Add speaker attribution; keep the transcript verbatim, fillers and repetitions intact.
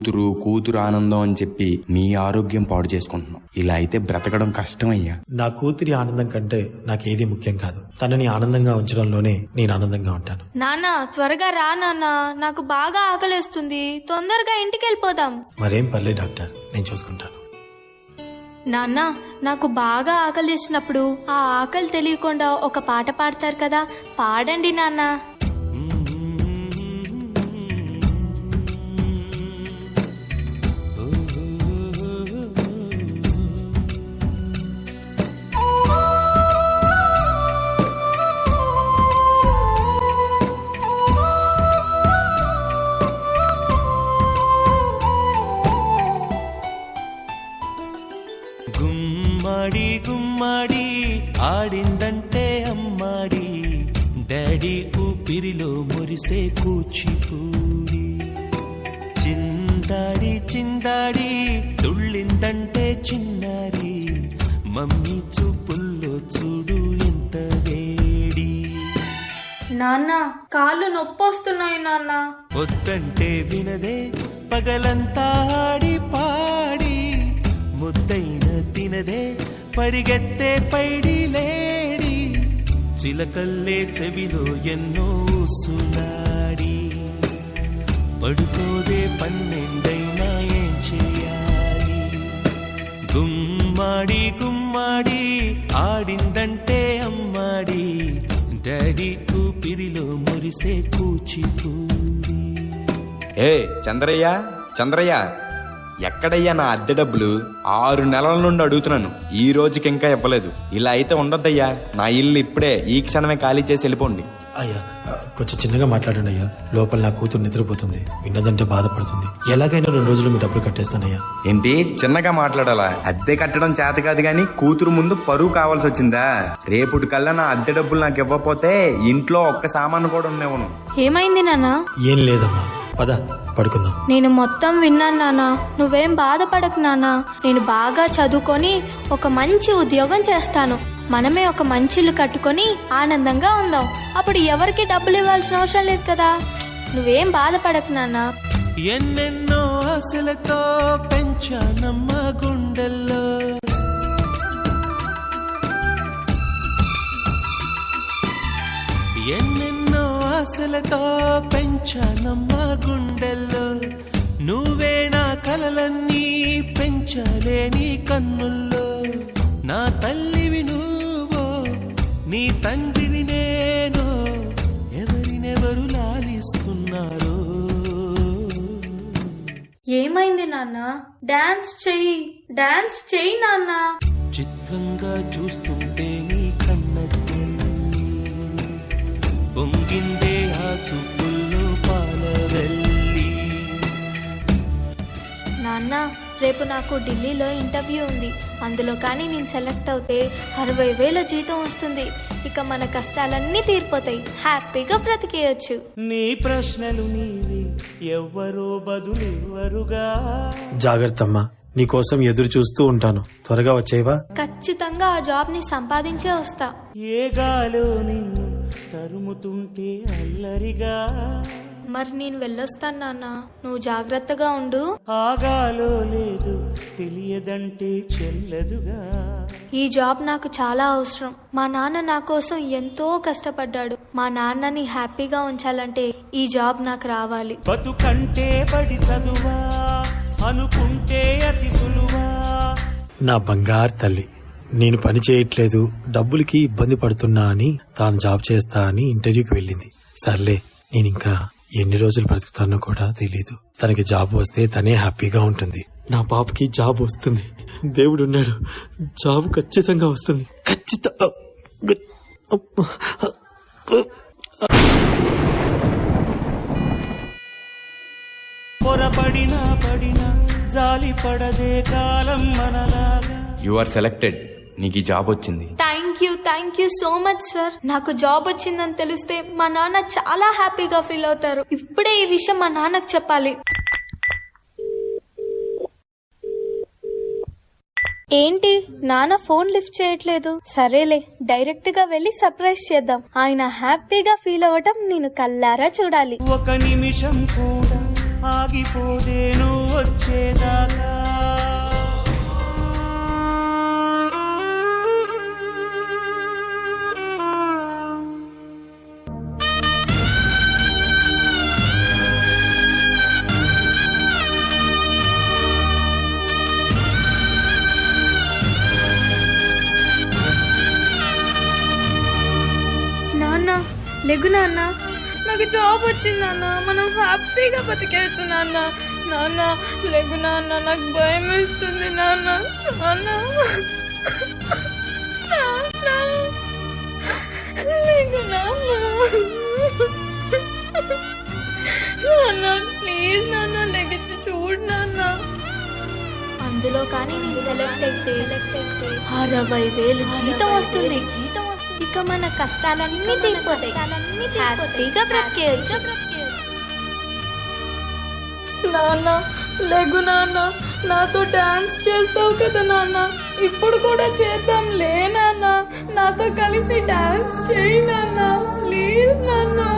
Speaker 1: కూతురు కూతురు ఆనందం అని చెప్పి నీ ఆరోగ్యం పాడు చేసుకుంటున్నావు. ఇలా అయితే బ్రతకడం కష్టమయ్యా.
Speaker 2: నా కూతురి ఆనందం కంటే నాకేది ముఖ్యం కాదు. తనని ఆనందంగా ఉంచడంలోనే నేను ఆనందంగా ఉంటాను.
Speaker 3: నాన్న త్వరగా రా నాన్న, నాకు బాగా ఆకలేస్తుంది, తొందరగా ఇంటికి వెళ్ళిపోదాం.
Speaker 2: మరేం పర్లేదు డాక్టర్, నేను చూసుకుంటాను.
Speaker 3: నాన్న నాకు బాగా ఆకలిసినప్పుడు ఆ ఆకలి తెలియకుండా ఒక పాట పాడతారు కదా, పాడండి నాన్న.
Speaker 4: గుమ్మడి గుమ్మడి ఆడిందంటే అమ్మాడి, డాడీ ఊపిరిలో మురిసే కూచిపూడి. చిందాడి చిందాడి తుళ్ళిందంటే చిన్నారి, మమ్మీ చూపుల్లో చూడు ఎంత వేడి.
Speaker 3: నాన్న కాళ్ళు నొప్పొస్తున్నాయి నాన్న.
Speaker 4: వద్దంటే వినదే పగలంతా ఆడి పాడి, ముద్దైన తినదే పరిగెత్తే పైడి లేడి. చిలకల్లే చెవిలో ఎన్నో సులాడి, పడుకోదే పన్నెండైనా ఏం చేయాలి. గుమ్మాడి గుమ్మాడి ఆడిందంటే అమ్మాడి, డాడీ ఊపిరిలో మురిసే కూచిపూడి.
Speaker 1: ఏ చంద్రయ్య చంద్రయ్య, ఎక్కడయ్యా నా అద్దె డబ్బులు? ఆరు నెలల నుండి అడుగుతున్నాను, ఈ రోజుకి ఇంకా ఇవ్వలేదు. ఇలా అయితే ఉండొద్దయ్యా. నా ఇల్లు ఇప్పుడే ఈ క్షణమే ఖాళీ చేసి వెళ్ళిపోండి.
Speaker 2: అయ్యా కొంచెం చిన్నగా మాట్లాడండి అయ్యా, లోపల నా కూతురు నిద్రపోతుంది, విన్నదంటే బాధపడుతుంది. ఎలాగైనా రెండు రోజులు మీ డబ్బులు కట్టేస్తానయ్యా.
Speaker 1: ఏంటి చిన్నగా మాట్లాడాలా? అద్దె కట్టడం చేత కాదు గాని కూతురు ముందు పరువు కావాల్సి వచ్చిందా? రేపుటి కల్లా నా అద్దె డబ్బులు నాకు ఇవ్వకపోతే ఇంట్లో ఒక్క సామాను కూడా ఉండేవను.
Speaker 3: ఏమైంది నాన్న?
Speaker 2: ఏం లేదమ్మా, పద పడుకుందాం.
Speaker 3: నేను మొత్తం విన్నాను నాన్న, నువ్వేం బాధపడకు నాన్న. నేను బాగా చదువుకొని ఒక మంచి ఉద్యోగం చేస్తాను, మనమే ఒక మంచి ఇల్లు కట్టుకొని ఆనందంగా ఉందాం. అప్పుడు ఎవరికి డబ్బులు ఇవ్వాల్సిన అవసరం లేదు కదా. నువ్వేం బాధపడకు నాన్న.
Speaker 4: ఎన్నెన్నో ఆశలతో పెంచానమ్మ గుండెల్లో, ఎన్నెన్నో ఆశలతో పెంచానమ్మ గుండెల్లో. నువ్వే నా కలలన్నీ పెంచలే నీ కన్నుల్లో. నా తల్లివి నువ్వో, నీ తండ్రిని నేను, ఎవరినెవరు లాలిస్తున్నారో.
Speaker 3: ఏమైంది నాన్న? డాన్స్ చెయ్యి, డాన్స్ చెయ్యి నాన్న.
Speaker 4: చిత్రంగా చూస్తుంటే నీ కన్నట్టు పొంగిందే ఆ చూపుల్లో పాలవెల్లి.
Speaker 3: నాన్న రేపు నాకు ఢిల్లీలో ఇంటర్వ్యూ ఉంది, అందులో కానీ నేను సెలెక్ట్ అవుతే అరవై వేల జీతం వస్తుంది. ఇక మన కష్టాలన్నీ తీరిపోతాయి, హ్యాపీగా బ్రతికేయచ్చు.
Speaker 4: నీ ప్రశ్నలు నీవి, ఎవ్వరో బదులెవ్వరుగా.
Speaker 2: జాగ్రత్త అమ్మా, నీకోసం ఎదురు చూస్తూ ఉంటాను, త్వరగా వచ్చేవా?
Speaker 3: ఖచ్చితంగా ఆ జాబ్ ని సంపాదించే వస్తా.
Speaker 4: ఏ గాలో నిన్ను తరుముతుంటే అల్లరిగా.
Speaker 3: మరి నేను వెళ్ళొస్తాను నాన్న, నువ్వు జాగ్రత్తగా ఉండు.
Speaker 4: ఆగాలో లేదు తెలియదంటే చెల్లదుగా.
Speaker 3: ఈ జాబ్ నాకు చాలా అవసరం. మా నాన్న నా కోసం ఎంతో కష్టపడ్డాడు. మా నాన్నని హ్యాపీగా ఉంచాలంటే ఈ జాబ్ నాకు రావాలి.
Speaker 4: బతుకంటే బడి చదువా అనుకుంటే అతి సులువా.
Speaker 2: నా బంగారు తల్లి, నేను పని చేయట్లేదు, డబ్బులకి ఇబ్బంది పడుతున్నా అని తాను జాబ్ చేస్తా అని ఇంటర్వ్యూకి వెళ్ళింది. సర్లే, నేను ఇంకా ఎన్ని రోజులు బ్రతుకుతానో కూడా తెలీదు. తనకి జాబ్ వస్తే తనే హ్యాపీగా ఉంటుంది. నా పాపకి జాబ్ వస్తుంది, దేవుడు ఉన్నాడు, జాబ్ ఖచ్చితంగా వస్తుంది. ఖచ్చితంగా
Speaker 4: పొరపడినా పడినా జాలి పడదే కాలం మనలాగా.
Speaker 1: యు ఆర్ సెలెక్టెడ్, నీకు ఈ జాబ్ వచ్చింది.
Speaker 3: Thank you thank you so much sir. నాకు జాబ్ వచ్చిందని తెలిస్తే మా నాన్న చాలా హ్యాపీగా ఫీల్ అవుతారు. ఇప్పుడే ఈ విషయం మా నాన్నకు చెప్పాలి. ఏంటి నాన్న ఫోన్ లిఫ్ట్ చేయట్లేదు? సరేలే, డైరెక్ట్ గా వెళ్లి సర్ప్రైజ్ చేద్దాం. ఆయన హ్యాపీగా ఫీల్ అవ్వటం నేను కల్లారా చూడాలి.
Speaker 4: ఒక నిమిషం కూడా ఆగిపోదే నువ్వు వచ్చేదాకా.
Speaker 5: నాన్న లెగ్గు నాన్న, నాకు జాబ్ వచ్చింది నాన్న, మనం హ్యాపీగా బతికేయచ్చు నాన్న. నాన్న లెగ్గు నాన్న, నాకు భయం వేస్తుంది నాన్న. నాన్న నాన్న, లెగ్గు నాన్న. నాన్న ప్లీజ్ నాన్న, లెగ్గిచ్చి చూడు నాన్న.
Speaker 3: అందులో కానీ నేను సెలెక్ట్ అయితే అరవై వేలు జీతం వస్తుంది. జీతం వస్తుంది. ఇక మన కష్టాలన్నీ తీరిపోతాయి. హ్యాపీగా బ్రతికేయచ్చు.
Speaker 5: నాన్న లెగ్గు నాన్న, నాతో డాన్స్ చేస్తావు కదా నాన్న, ఇప్పుడు కూడా చేద్దాం లే నాన్న. నాతో కలిసి డాన్స్ చేయి నాన్న, ప్లీజ్ నాన్న.